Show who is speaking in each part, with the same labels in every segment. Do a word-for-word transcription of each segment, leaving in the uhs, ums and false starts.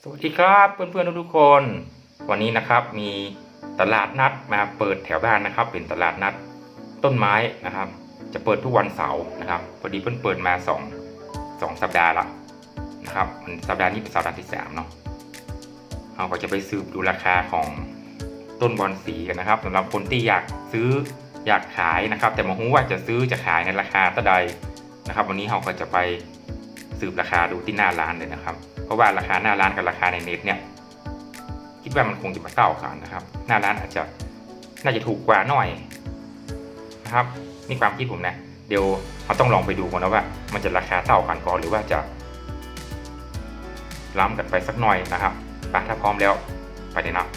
Speaker 1: สวัสดีครับเพื่อนๆทุกๆคนวันนี้นะครับมีตลาดนัดมาเปิดแถวบ้านนะครับเป็นตลาดนัดต้นไม้นะครับจะเปิดทุกวันเสาร์นะครับพอดีเพิ่งเปิดมาสองสองสัปดาห์ละนะครับมันสัปดาห์นี้เป็นสัปดาห์ที่สามเนาะเราก็จะไปสืบดูราคาของต้นบอนสีกันนะครับสำหรับคนที่อยากซื้ออยากขายนะครับแต่ไม่รู้ว่าจะซื้อจะขายในราคาเท่าใดนะครับวันนี้เราก็จะไปสืบราคาดูที่หน้าร้านเลยนะครับเพราะว่าราคาหน้าร้านกับราคาในเน็ตเนี่ยคิดว่ามันคงจะมาเท่ากันนะครับหน้าร้านอาจจะน่าจะถูกกว่าหน่อยนะครับนี่ความคิดผมนะเดี๋ยวเราต้องลองไปดูก่อนนะว่ามันจะราคาเท่ากันก่อนหรือว่าจะล้ำกันไปสักหน่อยนะครับไปถ้าพร้อมแล้วไปเลยนะ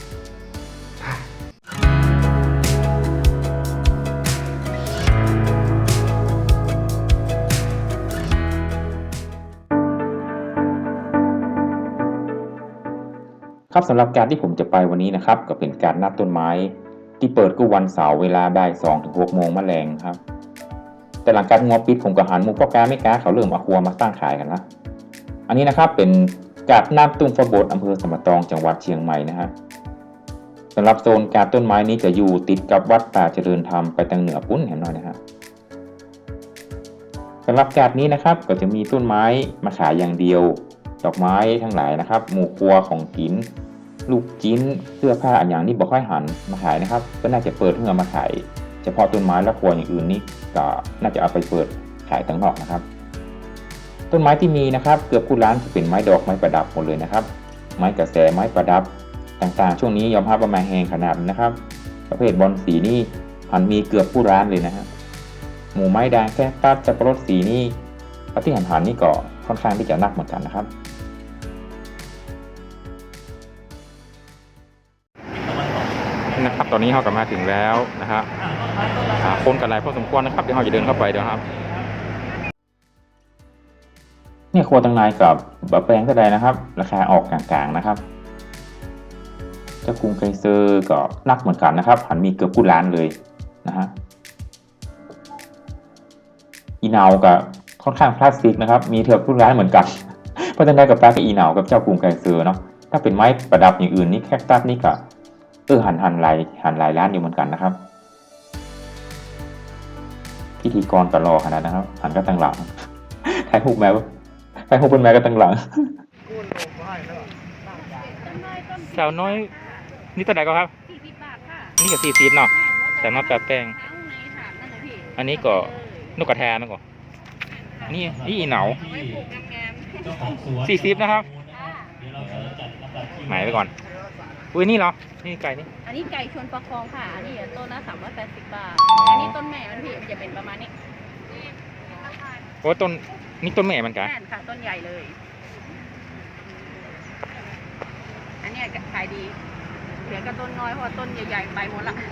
Speaker 1: ครับสำหรับการที่ผมจะไปวันนี้นะครับก็เป็นการนัดต้นไม้ที่เปิดก็วันเสาร์เวลาบ่ายสองถึงหกโมงมะแรงครับแต่หลังการงัวปิดผมก็หันมุกพ่อกาไม่กาเขาเริ่มเอาครัวมาตั้งขายกันละอันนี้นะครับเป็นกาดน้ำตุ้มฟบดอำเภอสมตองจังหวัดเชียงใหม่นะฮะสำหรับโซนกาดต้นไม้นี้จะอยู่ติดกับวัดป่าเจริญธรรมไปทางเหนือปุ้นเห็นหน่อยนะฮะสำหรับกาดนี้นะครับก็จะมีต้นไม้มาขายอย่างเดียวดอกไม้ทั้งหลายนะครับหมู่ครัวของกินลูกจิ้นเสื้อผ้าอันอย่างนี้บ่ค่อยหันมาขายนะครับก็น่าจะเปิดเพื่อมาขายเฉพาะต้นไม้และครัวอย่างอื่นนี่ก็น่าจะเอาไปเปิดขายต่างนอกนะครับต้นไม้ที่มีนะครับเกือบทุกร้านจะเป็นไม้ดอกไม้ประดับหมดเลยนะครับไม้กระแสไม้ประดับต่างๆช่วงนี้ยอมรับว่ามาแหงขนาดนะครับประเภทบอนสีนี่หันมีเกือบทุกร้านเลยนะฮะหมู่ไม้ด่างแค่ตัดจับปะรดสีนี่ปฏิหันหันนี่ก็ค่อนข้างที่จะนักเหมือนกันนะครับนะครับตอนนี้เรากลับมาถึงแล้วนะฮะคนกันหลายพอสมควรนะครับเดี๋ยวเราจะเดินเข้าไปเดี๋ยวครับเนี่ยครัวตังนายกับบะแปงก็ได้นะครับราคาออกกลางๆนะครับเจ้ากรุงไคเซอร์ก็นักเหมือนกันนะครับหันมีเกือบกู้ล้านเลยนะฮะอีเหนากับค่อนข้างพลาสติกนะครับมีเกือบกู้ล้านเหมือนกันเพราะฉะนั้นกับปลากับอีเหนากับเจ้ากรุงไคเซอร์เนาะถ้าเป็นไม้ประดับอย่างอื่นนี่แคคตัสนี่ก็เออหันหันลายหันลายร้านอยู่เหมือนกันนะครับพิธีกรก็รอขนาดนะครับหันก็ตั้งหลังไทยฮุกแมวไทยฮุกเป็นแมวก็ตั้งหลังสาวน้อยนี่ตัวไหนก็ครับสี่สิบบาทค่ะนี่ก็สี่สิบเนาะแต่มาแปะแป้งอันนี้ก็นกกระแทนนะก่อนนี่นี่อีเหนาสี่สิบนะครับหมายไปก่อนอุ้ยนี่เหรอนี่ไก่นี่
Speaker 2: อันนี้ไก่ชวนประคองค่ะอันนี้ต้นละสามร้อยแปดสิบบาทอันนี้ต้นแม่มันพี่มันจะเป็นประมาณนี้
Speaker 1: โอ้ต้นนี่ต้นแม่มันกัน
Speaker 2: แม่ค่ะต้นใหญ่เลยอันนี้ขายดีเหลือก็ต้นน้อยเพราะต้นใหญ่ๆไปหมดละ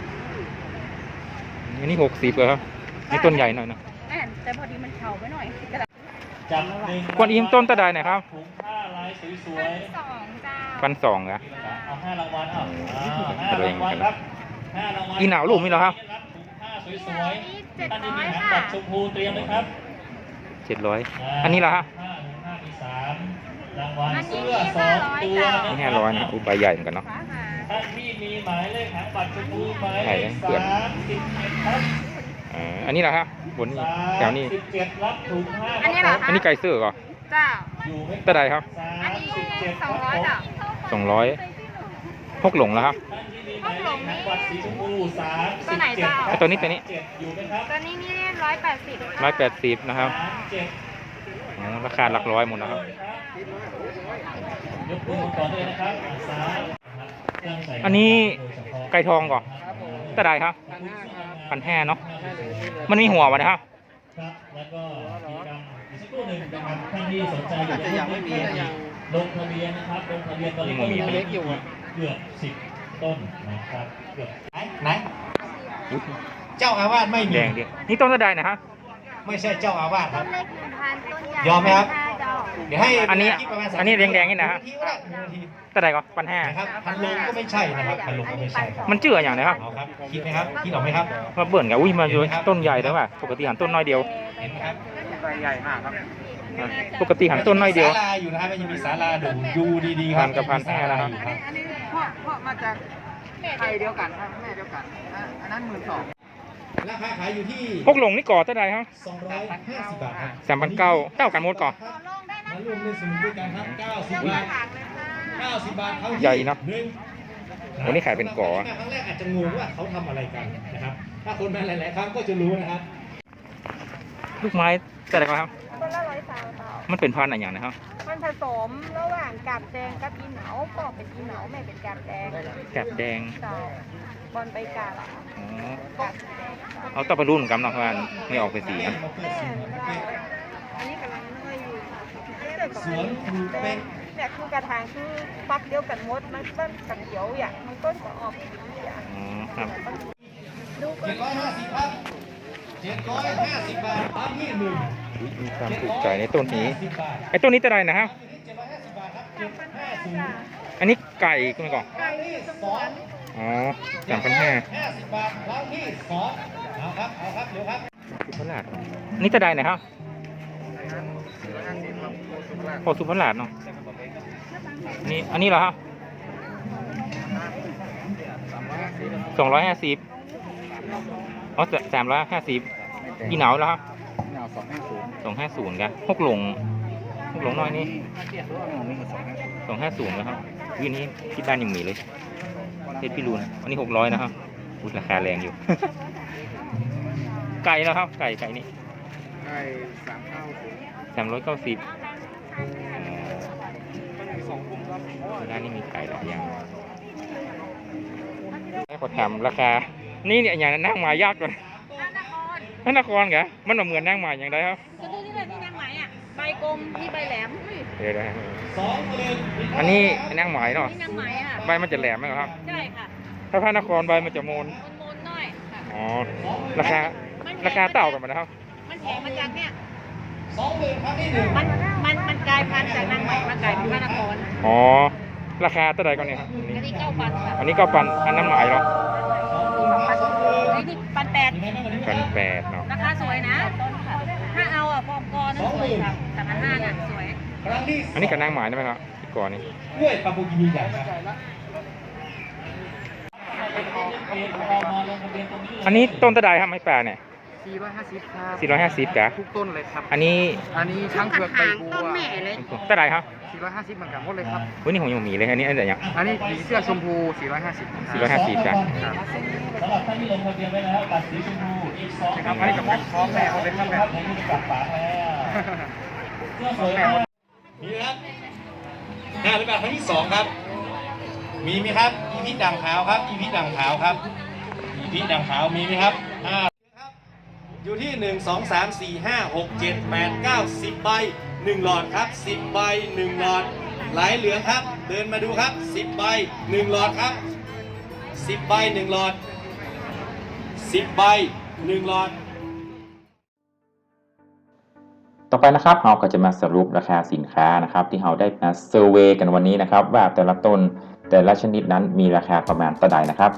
Speaker 1: อันนี้หกสิบเลยครับนี่ต้นใหญ่หน่อยนะ
Speaker 2: แม่แต่พอดีมันเฉาไปหน่อย
Speaker 1: กวนอิมต้นตะไดไหนครับ
Speaker 3: ถุงผ้าลายสวย
Speaker 2: ๆสองจ้า
Speaker 1: พันสองนะ
Speaker 3: เอาห้ารางวัลเอาห้ารางวัลครับห้ารางวัล
Speaker 1: อีหนาวลูกมีเหรอครับ
Speaker 3: ถุงผ้าสวยๆท่านที่มีหางปัดชมพูเตรียมเลยครับ
Speaker 1: เจ็ดร้อยอันนี้เหรอฮะ
Speaker 3: ห้าถุงผ้ามีสามรางวัลเสื้อสองตัว
Speaker 1: นี่ห้าร้อยนะอุบใบใหญ่เหมือนกันเนาะ
Speaker 3: ท่านที่มีหมายเลขหางปัดชมพูหมายเลขสามสิบเอ็ดครับ
Speaker 1: อันนี้เหรอครับบนแถวนี้
Speaker 3: สิบเจ็ดรับถุงผ้า
Speaker 2: อันนี้เหรอคะ
Speaker 1: อันนี้ไก่เสื้อเหรอ
Speaker 2: เจ้า
Speaker 1: ตะไดครับ
Speaker 2: อันนี้สองร้อยจ้ะ
Speaker 1: สองร้อยพกหลงแล้วครับ
Speaker 2: พกหลงนี่
Speaker 3: ตัวไหนเจ้า
Speaker 1: ตัวนี้ตัวนี้
Speaker 2: ตัวนี้นี่ร้อยแปดสิบ
Speaker 1: ร้อยแปดสิบนะครับราคาหลักร้อยหมดนะครับอันนี้ไก่ทองก่อนตะไดครับพันแห่เนาะมันมีหัววะนะครับ
Speaker 3: แล้วก็กิจกรรมอีกสักครู่หนึ่งนะครับท่านที่สนใจอยากจะยังไม่มีลงทะเบียนนะครับลงทะเบียนตอนนี้ก็เล็กอยู่เกือบสิบต้นนะครับเกือบไหนไหนเจ้าอาวาสไม่มี
Speaker 1: แดงดินี่ต้นตะไดนะครับ
Speaker 3: ไม่ใช่เจ้าอาวาสครับ
Speaker 2: ต้นเล็กหนึ่งพันต้นใหญ่
Speaker 3: ยอมไหมครับเดี๋ยวให้
Speaker 1: อันนี้อันนี้แดงๆนี่นะฮะตะไดก็พันแห่
Speaker 3: นะครับพันลงก็ไม่ใช่นะครับพันลงก็ไม่ใช่
Speaker 1: มันเจืออย่างไรครับ
Speaker 3: ครับคิดไหมครับคิดออกไหมครับ
Speaker 1: มาเบิ่นกับอุ้ยมาอยู่ต้นใหญ่แล้วว่ะปกติหันต้นน้อยเดียว
Speaker 3: เห็นไหมครับ
Speaker 1: ใบใหญ่มากครับปกติหันต้นน้อยเดียว
Speaker 3: ศาลาอยู่นะครับมันยังมีศาลาดูยูดีๆครับ
Speaker 1: พันกับพันห้านะครับ
Speaker 3: อยู่ครับ
Speaker 4: อันนี้เพราะเพราะมาจากไทยเดียวกันครับแม่เดียวกันอ่ะอันนั้นหมื่นสอง
Speaker 3: ราคาขายอยู่ที่
Speaker 1: พวกหลงนี่ก่อเท่าไหร่ครับ
Speaker 3: สองร้อยห้าสิบบาทครับ
Speaker 1: สามพันเก้าเท่ากันหมดก่อ
Speaker 3: มารวมในสมุนด้วยกันครับเก้าสิบบาทเก้าสิบบาทเขาที่
Speaker 1: ใหญ่เนอะ
Speaker 3: หนึ่ง
Speaker 1: วันนี้ขายเป็นก่อ
Speaker 3: ครั้งแรกอาจจะงงว่าเขาทำอะไรกันนะครับ ถ้าคนมาหลายๆครั้งก็จะรู้นะครับ
Speaker 1: ลูกไม้แต่ไหนครับ
Speaker 5: ต้นละร้อยสามเท่า
Speaker 1: มันเป็นพันธุ์อะไรอย่างนะครับ
Speaker 5: มันผสมระหว่างกาบแดงกับอีเหนาก็เป็นอีเหนาแม่เป็นกาบแดง
Speaker 1: แกบแดง
Speaker 5: เจ้าบอลใบกาบอะ
Speaker 1: อ๋อ
Speaker 5: กาบสีแดง
Speaker 1: เอาต้องไปรุ่นกันเนาะเพราะว่าไม่ออกเป็นสีนะ
Speaker 5: แม่อันนี้กำลังน้อยอยู่
Speaker 3: สวนครูเป๊ก
Speaker 5: เนี่ยคือกระถางคือฟักเดียวกันหมดมันต้นกับเขียวอย่างมันต้นก็ออกสีอย่าง
Speaker 1: อ๋อครับ
Speaker 5: ดูก็
Speaker 3: เจ็ดร้อยห้าสิบครับเจ็ดร้อยห้าสิบบาทตามที่หนึ่ง
Speaker 1: มีความถูกใจในต้นนี้
Speaker 3: เจ็ดร้อยห้าสิบบาท
Speaker 1: ไอ้ต้นนี้เท่าไหร่นะครับ
Speaker 3: เจ็ดร้อยห้าสิบบาทครับเจ็ดห้าศูนย์
Speaker 1: อันนี้ไก่คุณก่อน
Speaker 3: ครั้งที่สอง
Speaker 1: อ๋อสามพันห้า
Speaker 3: ห้าสิบบาทครั้งที่สองเอาครับ เอาครับ เดี๋ยวครับ
Speaker 1: สุพรรณอันนี้เท่าไหร่นะครับโอ้สุพรรณเนาะนี่อันนี้เหรอครับสองร้อยห้าสิบอ๋อสามร้อยห้าสิบอีเหนาแล้วครับ
Speaker 4: หนาวสองห้าศูนย์
Speaker 1: สองห้าศูนย์กันหกหลงหกหลงน้อยนี่สองห้าศูนย์นะครับวินี้ที่บ้านยังมีเลยเพชรพิรุณอันนี้หกร้อยนะครับอุ๊ยราคาแรงอยู่ ไก่แล้วครับ ไก่ไก่นี่
Speaker 4: ได้สามเท่าศูนย์
Speaker 1: สามร้อยเก้าสิบร้านนี้มีไก่หลายอย่างให้ขอถามราคา นี่เนี่ยอย่างนั่งมายากกว่านั่นนครเหรอมันเหมือนนั่งมาอย่างไรครับ
Speaker 2: ก็ดูที่เลยนี่นางไหมอ่ะใบกลมที่ใบแหลมอุ้ย
Speaker 1: เดี๋ยวนะ
Speaker 3: สองหมื่น
Speaker 1: อันนี้นั่งหมายเนาะ
Speaker 2: นี่นางไหมอ่ะ
Speaker 1: ใบมันจะแหลมไหมครับ
Speaker 2: ใช่ค่ะ
Speaker 1: ถ้าพระนครใบมันจะโมน
Speaker 2: มนๆหน่อยค่ะ
Speaker 1: อ๋อ ราคา ราคาเต่ากันไหมนะครับ
Speaker 2: มันแพงมาจากเนี่ย
Speaker 3: สองหมื่นครั้งที่หนึ่ง
Speaker 2: มันมันมันกลายพันธุ์จากนางไหมมากลายเป็นพระนคร
Speaker 1: อ๋อ ราคาเท่าไหร่ก่อนเนี่ยครับ
Speaker 2: อันนี้เก้าพันค่ะ
Speaker 1: อันนี้ก็ปันอันนั้นหมายเนาะ
Speaker 2: ไอ้นี่พันแปด
Speaker 1: พันแปดเนาะ
Speaker 2: ราคาสวยนะต้นค่ะถ้าเอาอ่ะฟอร์มกอนั่นสวยค่ะแต่พันห้าน่ะสวย
Speaker 3: ครั้งที่
Speaker 1: อันนี้กับนั่งหมายได้ไหมครับอีกก่อนนี่
Speaker 3: กล้วยปาปูกินีใหญ่ครับ
Speaker 1: อันนี้ต้นตะไดครับไม้ป่าเนี่ย
Speaker 4: สี่ร้อยห้าสิบครับ
Speaker 1: สี่ร้อยห้าสิบกะ
Speaker 4: ทุกต้นเลยครับ
Speaker 1: อันนี้
Speaker 4: อันนี้ช้างเผือกใบบัว
Speaker 2: ต้นแม่เลย
Speaker 1: ตะไดครับ
Speaker 4: สี่ร้อยห้าสิบเหมือนกันหมดเลยครับ
Speaker 1: วันนี้ผมยังมีเลยอันนี้อันไหนยัง
Speaker 4: อันนี้ผีเสื้อชมพูสี่ร้อยห้าสิบ
Speaker 1: สี่ร้อยห้าสิบจ้ะ
Speaker 4: ครับ
Speaker 3: สำหรับท่านที่ลงทะเบียนไว้แล้วบัตรสีชมพูอีกสอง
Speaker 4: ครับอันนี้กับเป็นพร้อมแม่หมดเลยครับแม่
Speaker 3: ในนี้กลับฝาแล้วเสื้อสวยมากมีไหมครับห้าร้อยบาทครั้งที่สองครับ มีไหมครับ อีพีด่างขาวครับ อีพีด่างขาวครับ อีพีด่างขาวมีไหมครับห้าอยู่ที่หนึ่งสองสามสี่ห้าหกเจ็ดแปดเก้าสิบใบหนึ่งหลอดครับสิบใบหนึ่งหลอดไหลเหลืองครับ เดินมาดูครับสิบใบหนึ่งหลอดครับสิบใบหนึ่งหลอดสิบใบหนึ่งหลอด
Speaker 1: ต่อไปนะครับเราก็จะมาสรุปราคาสินค้านะครับ ที่เราได้มาเซอร์เวย์กันวันนี้นะครับ ว่าแต่ละต้นแต่ละชนิดนั้นมีราคาประมาณเท่าใดนะครับ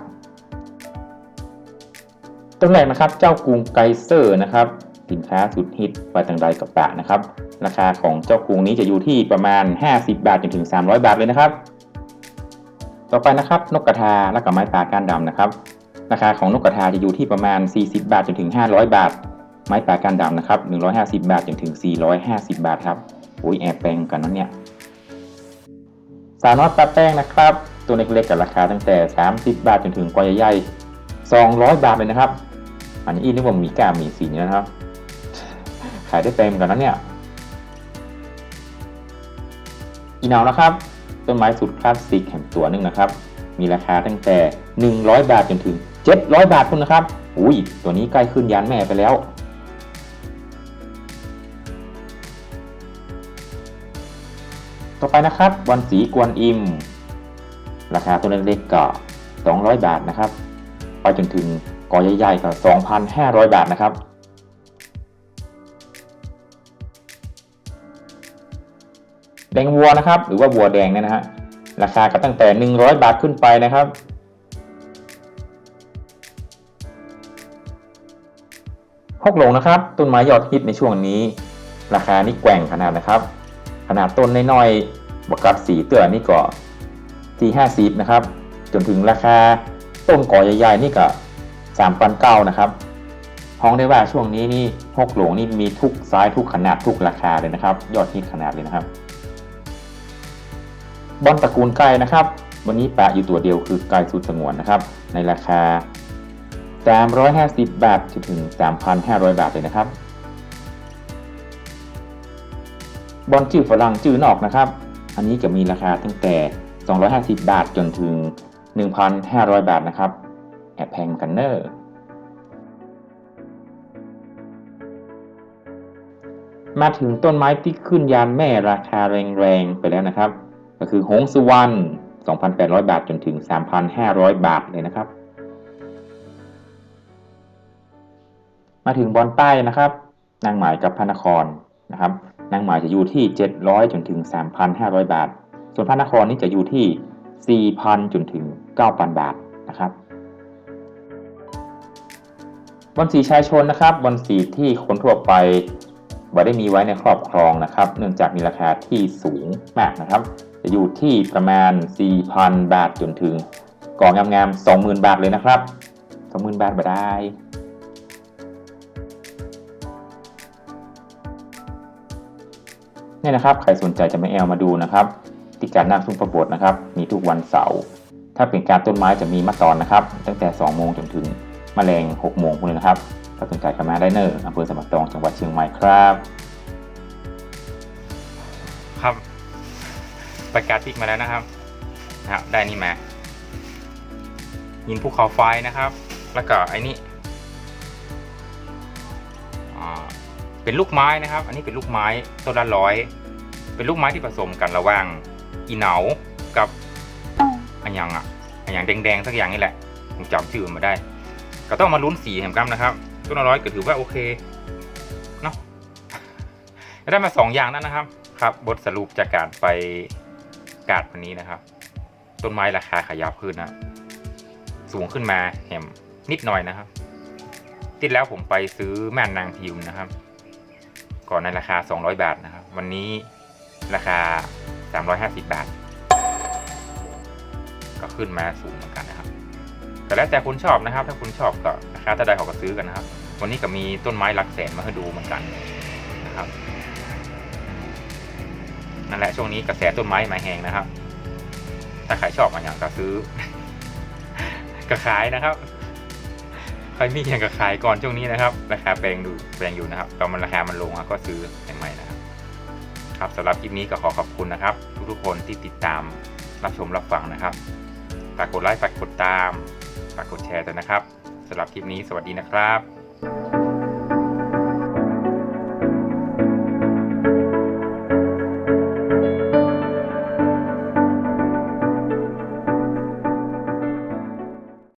Speaker 1: ต้นแรกนะครับเจ้ากรุงไกเซอร์นะครับสินค้าสุดฮิตไปทางใดกับปะนะครับราคาของเจ้ากรุงนี้จะอยู่ที่ประมาณห้าสิบบาทจนถึงสามร้อยบาทเลยนะครับต่อไปนะครับนกกระทาและกับไม้ป่าก้านดำนะครับราคาของนกกระทาจะอยู่ที่ประมาณสี่สิบบาทจนถึงห้าร้อยบาทไม้ป่าก้านดำนะครับหนึ่งร้อยห้าสิบบาทจนถึงสี่ร้อยห้าสิบบาทครับอุ้ยแอบแปลงกันนั้นเนี่ยสาวน้อยปลาแป้งนะครับตัวเล็กๆกับราคาตั้งแต่สามสิบบาทจนถึงกว่าใหญ่ๆสองร้อยบาทเลยนะครับอันนี้อีนึกว่ามีก้ามีสีนะครับขายได้เต็มกันนั้นเนี่ยอีเหนานะครับต้นไม้สุดคลาสสิกแห่งตัวนึงนะครับมีราคาตั้งแต่หนึ่งร้อยบาทจนถึงเจ็ดร้อยบาทคุณนะครับอุ้ยตัวนี้ใกล้ขึ้นยานแม่ไปแล้วต่อไปนะครับวันสีกวนอิมราคาตัวเล็กๆก็สองร้อยบาทนะครับไปจนถึงกอใหญ่ๆก็ สองพันห้าร้อย บาทนะครับแดงวัวนะครับหรือว่าวัวแดงเนี่ยนะฮะราคาก็ตั้งแต่หนึ่งร้อยบาทขึ้นไปนะครับฮกหลงนะครับต้นไม้ยอดฮิตในช่วงนี้ราคานี่แกว่งขนาดนะครับขนาดต้นน้อยๆบวกกับสีเตือนี่ก็ที่ห้าสิบนะครับจนถึงราคาต้นก่อใหญ่ๆนี่ก็สามพันเก้านะครับห้องได้ว่าช่วงนี้นี่ฮกหลงนี่มีทุกไซส์ทุกขนาดทุกราคาเลยนะครับยอดฮิตขนาดเลยนะครับบอลตระกูลไก่นะครับวันนี้แปะอยู่ตัวเดียวคือไก่สุดสงวนนะครับในราคาสามร้อยห้าสิบบาทจนถึง สามพันห้าร้อย บาทเลยนะครับบอลจื้อฝรั่งจื้อนอกนะครับอันนี้จะมีราคาตั้งแต่สองร้อยห้าสิบบาทจนถึง หนึ่งพันห้าร้อย บาทนะครับแอบแพงกันเนอร์มาถึงต้นไม้ที่ขึ้นยานแม่ราคาแรงๆไปแล้วนะครับก็คือหงสุวรรณ สองพันแปดร้อย บาทจนถึง สามพันห้าร้อย บาทเลยนะครับมาถึงบอลใต้นะครับนางหมายกับพระนครนะครับนางหมายจะอยู่ที่เจ็ดร้อยจนถึง สามพันห้าร้อย บาทส่วนพระนครนี่จะอยู่ที่ สี่พัน จนถึง เก้าพัน บาทนะครับบอลสีชายชนนะครับบอลสีที่คนทั่วไปบ่ได้มีไว้ในครอบครองนะครับเนื่องจากมีราคาที่สูงมากนะครับจะอยู่ที่ประมาณ สี่พัน บาทจนถึงก่องงามๆ สองหมื่น บาทเลยนะครับ สองหมื่น บาทบ่ได้นี่นะครับใครสนใจจะมาแอลมาดูนะครับที่การนั่งซุ้มประบดนะครับมีทุกวันเสาร์ถ้าเป็นการต้นไม้จะมีมาตอนนะครับตั้งแต่สองโมงจนถึงมะแรงหกโมงพวกนี้นะครับถ้าสนใจก็มาได้เนอร์อำเภอสมตองจังหวัดเชียงใหม่ครับครับประกาศพิกมาแล้วนะครับนะครับได้นี่มายินภูเขาไฟนะครับแล้วก็ไอ้นี่เป็นลูกไม้นะครับอันนี้เป็นลูกไม้ต้นละร้อยเป็นลูกไม้ที่ผสมกันระหว่างอีเหนากับอันยังอ่ะอันยังแดงๆสักอย่างนี่แหละผมจำชื่อมาได้ก็ต้องมาลุ้นสีแหมกัมนะครับต้นละร้อยก็ถือว่าโอเคเนาะได้มาสองอย่างนั้นนะครับครับบทสรุปจากการไปกาดวันนี้นะครับต้นไม้ราคาขยับขึ้นนะสูงขึ้นมาแหมนิดหน่อยนะครับที่แล้วผมไปซื้อแม่นางพิมพ์นะครับก่อนในราคาสองร้อยบาทนะครับวันนี้ราคาสามร้อยห้าสิบบาทก็ขึ้นมาสูงเหมือนกันนะครับแต่แล้วแต่คุณชอบนะครับถ้าคุณชอบก็ราคาเท่าใดเขาก็ซื้อกันนะครับวันนี้ก็มีต้นไม้หลักแสนมาให้ดูเหมือนกันนะครับนั่นแหละช่วงนี้กระแสต้นไม้มาแหงนะครับถ้าใครชอบมาอย่างก็ซื้อ ก็ขายนะครับใครมีอย่างกับขายก่อนช่วงนี้นะครับราคาแพงดูแพงอยู่นะครับตอนมันราคามันลงก็ซื้อใหม่ๆนะครับครับสำหรับคลิปนี้ก็ขอขอบคุณนะครับทุกๆคนที่ติดตามรับชมรับฟังนะครับฝากกดไลค์ฝากกดตามฝากกดแชร์ด้วยนะครับสำหรับคลิปนี้สวัสดีนะครับ